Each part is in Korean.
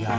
야,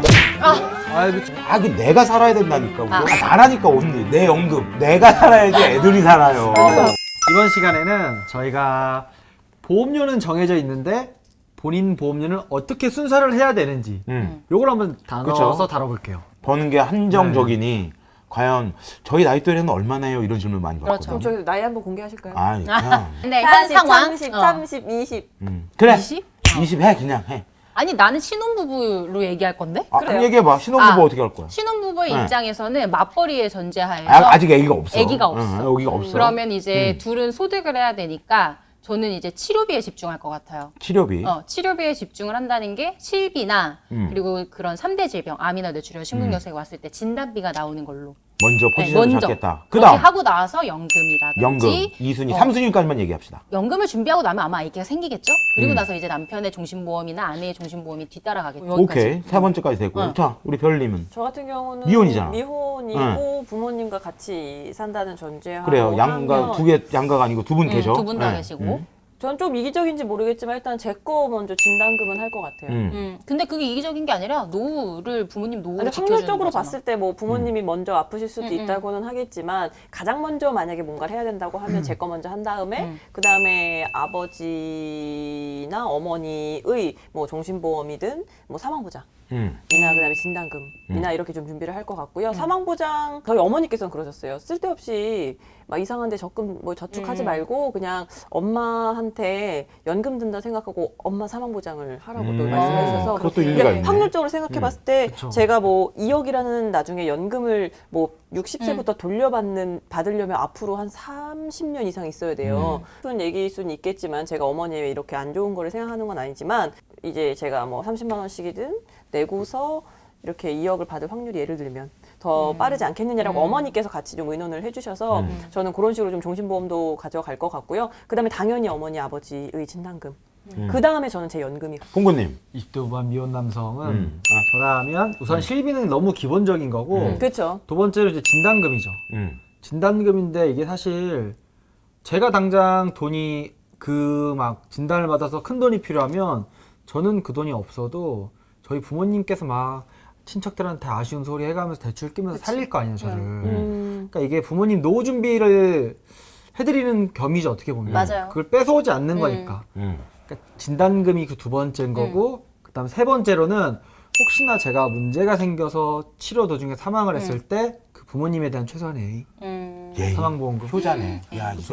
그 내가 살아야 된다니까. 나라니까 언니. 내 연금. 내가 살아야지 애들이 살아요. 이번 시간에는 저희가 보험료는 정해져 있는데 본인 보험료는 어떻게 순서를 해야 되는지 요걸 한번 나눠서 다뤄볼게요. 버는 게 한정적이니 과연 저희 나이 또래는 얼마나 해요? 이런 질문 많이 받거든요. 그럼 저희 나이 한번 공개하실까요? 아니 그냥 근데 현 상황 30, 30, 20. 그래 20? 20 해 그냥 해. 아니 나는 신혼부부로 얘기해할 건데? 그럼 얘기해봐. 신혼부부 어떻게 할 거야? 신혼부부의 입장에서는 맞벌이의 전제하에서 아직 애기가 없어. 애기가 없어. 애기가 없어. 그러면 이제 둘은 소득을 해야 되니까 저는 이제 치료비에 집중할 것 같아요. 치료비. 치료비에 집중을 한다는 게 실비나 그리고 그런 3대 질병, 암이나 뇌출혈, 심근경색이 왔을 때 진단비가 나오는 걸로. 먼저 포지션을 먼저. 잡겠다. 그렇게 그다음 하고 나서 연금이라든지 연금 2순위, 3순위까지만 얘기합시다. 연금을 준비하고 나면 아마 아기가 생기겠죠? 그리고 나서 이제 남편의 종신보험이나 아내의 종신보험이 뒤따라가겠죠. 오케이. 세 번째까지 됐고. 자, 우리 별님은 저 같은 경우는 미혼이잖아. 미혼이고 부모님과 같이 산다는 전제하고 그래요. 양가 두 개 양가가 아니고 두 분 계셔. 두 분 다 계시고. 전 좀 이기적인지 모르겠지만 일단 제 거 먼저 진단금은 할 것 같아요. 근데 그게 이기적인 게 아니라 노후를 부모님 노후를 근데 지켜주는 확률적으로 거잖아. 봤을 때 뭐 부모님이 먼저 아프실 수도 있다고는 하겠지만 가장 먼저 만약에 뭔가를 해야 된다고 하면 제 거 먼저 한 다음에 그 다음에 아버지나 어머니의 뭐 종신보험이든 뭐 사망보장 이나 그다음에 진단금이나 이렇게 좀 준비를 할 것 같고요. 사망보장 저희 어머니께서는 그러셨어요. 쓸데없이 막 이상한데 적금 뭐 저축하지 말고 그냥 엄마한테 연금 든다 생각하고 엄마 사망보장을 하라고 또 말씀해 주셔서 그것도 일리가 있네. 확률적으로 생각해 봤을 때 제가 뭐 2억이라는 나중에 연금을 뭐 60세부터 받으려면 앞으로 한 30년 이상 있어야 돼요. 무슨 얘기일 수는 있겠지만 제가 어머니의 이렇게 안 좋은 거를 생각하는 건 아니지만 이제 제가 뭐 30만 원씩이든 내고서 이렇게 2억을 받을 확률이 예를 들면 더 빠르지 않겠느냐라고 어머니께서 같이 좀 의논을 해주셔서 저는 그런 식으로 좀 종신보험도 가져갈 것 같고요. 그 다음에 당연히 어머니 아버지의 진단금. 그 다음에 저는 제 연금이. 봉구님. 20대 후반 미혼 남성은 저라면 우선 실비는 너무 기본적인 거고 그렇죠. 두 번째로 이제 진단금이죠. 진단금인데 이게 사실 제가 당장 돈이 그 막 진단을 받아서 큰 돈이 필요하면 저는 그 돈이 없어도 저희 부모님께서 막 친척들한테 아쉬운 소리 해가면서 대출 끼면서 살릴 거 아니에요, 저를. 그러니까 이게 부모님 노후 준비를 해드리는 겸이죠, 어떻게 보면. 맞아요. 그걸 뺏어오지 않는 거니까. 그러니까 진단금이 그 두 번째인 거고, 그다음 세 번째로는 혹시나 제가 문제가 생겨서 치료 도중에 사망을 했을 때 그 부모님에 대한 최소한의 예의. 사망보험금. 효자네. 야, 이게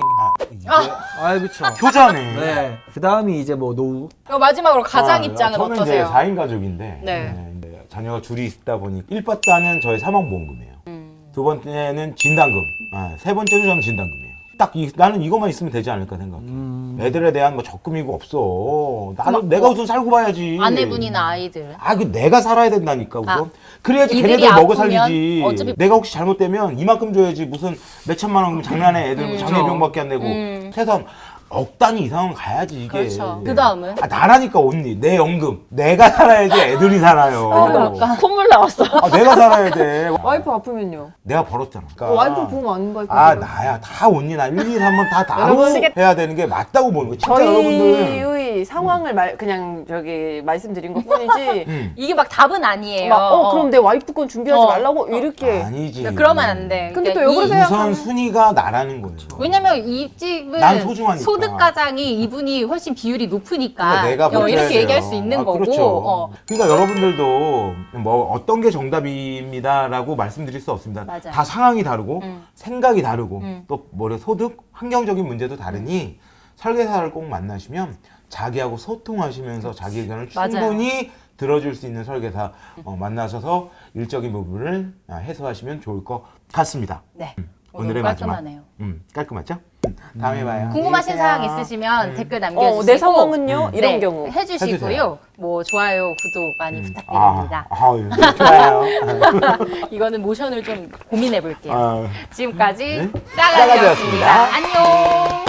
그렇죠. 효자네. 네. 그다음이 이제 뭐 노후. 마지막으로 가장 입장은 저는 어떠세요? 이제 4인 가족인데 네. 자녀가 둘이 있다 보니 1번단은 저희 사망보험금이에요. 두 번째는 진단금. 세 번째도 저는 진단금이에요. 나는 이것만 있으면 되지 않을까 생각해. 애들에 대한 뭐 적금이고 없어. 내가 우선 살고 봐야지. 아내분이나 아이들. 그 내가 살아야 된다니까 우선. 그래야지 이들이 걔네들 먹어 아프면 살리지. 어차피- 내가 혹시 잘못되면 이만큼 줘야지 무슨 몇천만 원 장난해. 애들 장애병밖에 안 내고. 최소한 억 단위 이상은 가야지 이게. 그렇죠. 그 다음은? 나라니까 언니. 내 연금. 내가 살아야지 애들이 살아요. 콧물 나왔어. 내가 살아야 돼. 와이프 아프면요? 내가 벌었잖아. 그러니까 와이프 보험 안 받고. 나야 다 언니 나 1, 2, 3번 다 다루고 해야 되는 게 맞다고 보는 거. 진짜 여러분들. 저희의 상황을 그냥 말씀드린 것 뿐이지. 이게 막 답은 아니에요. 그럼 내 와이프 건 준비하지 말라고 이렇게. 아니지. 그러면 안 돼. 근데 또 그러니까 역으로 우선 순위가 나라는 거예요. 왜냐면 이 집은 난 소중하니까. 소득 가장이 이분이 훨씬 비율이 높으니까 내가 버텨야 이렇게 돼요. 얘기할 수 있는 거고. 그렇죠. 그러니까 여러분들도 뭐 어떤 게 정답입니다라고 말씀드릴 수 없습니다. 맞아요. 다 상황이 다르고 생각이 다르고 또 소득 환경적인 문제도 다르니 설계사를 꼭 만나시면 자기하고 소통하시면서 자기 의견을 충분히 들어줄 수 있는 설계사 만나셔서 일적인 부분을 해소하시면 좋을 것 같습니다. 네. 오늘의 깔끔하네요. 마지막. 깔끔하죠? 다음에 봐요. 궁금하신 안녕히 사항 계세요. 있으시면 댓글 남겨주시고 내 상황은요? 이런 경우. 해주시고요. 해주세요. 뭐 좋아요, 구독 많이 부탁드립니다. 좋아요. 이거는 모션을 좀 고민해 볼게요. 아, 지금까지 네? 싸가지였습니다. 싸가지였습니다. 안녕.